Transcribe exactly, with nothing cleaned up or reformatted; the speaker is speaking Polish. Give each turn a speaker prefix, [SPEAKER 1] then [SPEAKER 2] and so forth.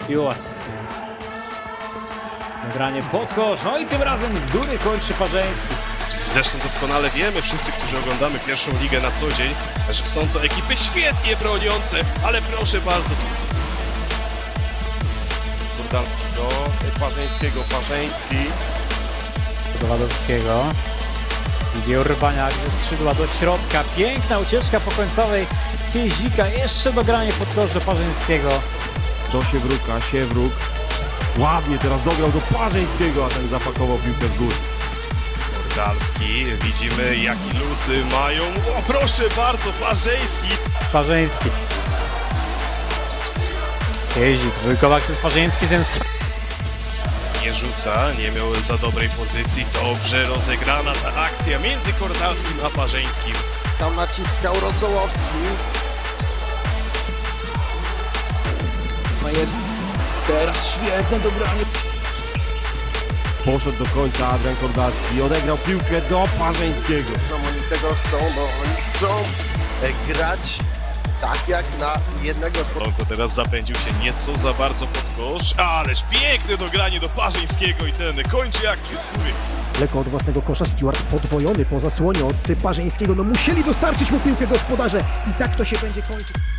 [SPEAKER 1] Stewart. Nagranie pod kosz, no i tym razem z góry kończy Parzeński.
[SPEAKER 2] Zresztą doskonale wiemy, wszyscy, którzy oglądamy pierwszą ligę na co dzień, że są to ekipy świetnie broniące, ale proszę bardzo.
[SPEAKER 3] Kordalski do Parzeńskiego, Parzeński.
[SPEAKER 1] Do Wadowskiego. I Urbaniak ze skrzydła do środka. Piękna ucieczka po końcowej Piezika. Jeszcze dogranie pod kosz do Parzeńskiego.
[SPEAKER 3] Do Siewruka, Siewruk. Ładnie teraz dograł do Parzeńskiego, a ten zapakował piłkę w górę.
[SPEAKER 2] Kordalski, widzimy jaki lusy mają. O proszę bardzo, Parzeński.
[SPEAKER 1] Parzeński. Piezik, dwójkowa aktyw Parzeński, ten
[SPEAKER 2] Nie rzuca, nie miał za dobrej pozycji. Dobrze rozegrana ta akcja między Kordalskim a Parzeńskim.
[SPEAKER 3] Tam naciskał Rosołowski.
[SPEAKER 4] Majewski. Teraz świetne dobranie.
[SPEAKER 3] Poszedł do końca Adrian Kordalski, odegrał piłkę do Parzeńskiego.
[SPEAKER 4] No oni tego chcą, bo oni chcą e, grać tak jak na jednego z...
[SPEAKER 2] Lonko teraz zapędził się nieco za bardzo pod kosz, ależ piękne dogranie do Parzeńskiego i ten kończy akcję z góry.
[SPEAKER 5] Lekko od własnego kosza Stewart podwojony po zasłonie od Parzeńskiego. No musieli dostarczyć mu piłkę gospodarze i tak to się będzie kończyć.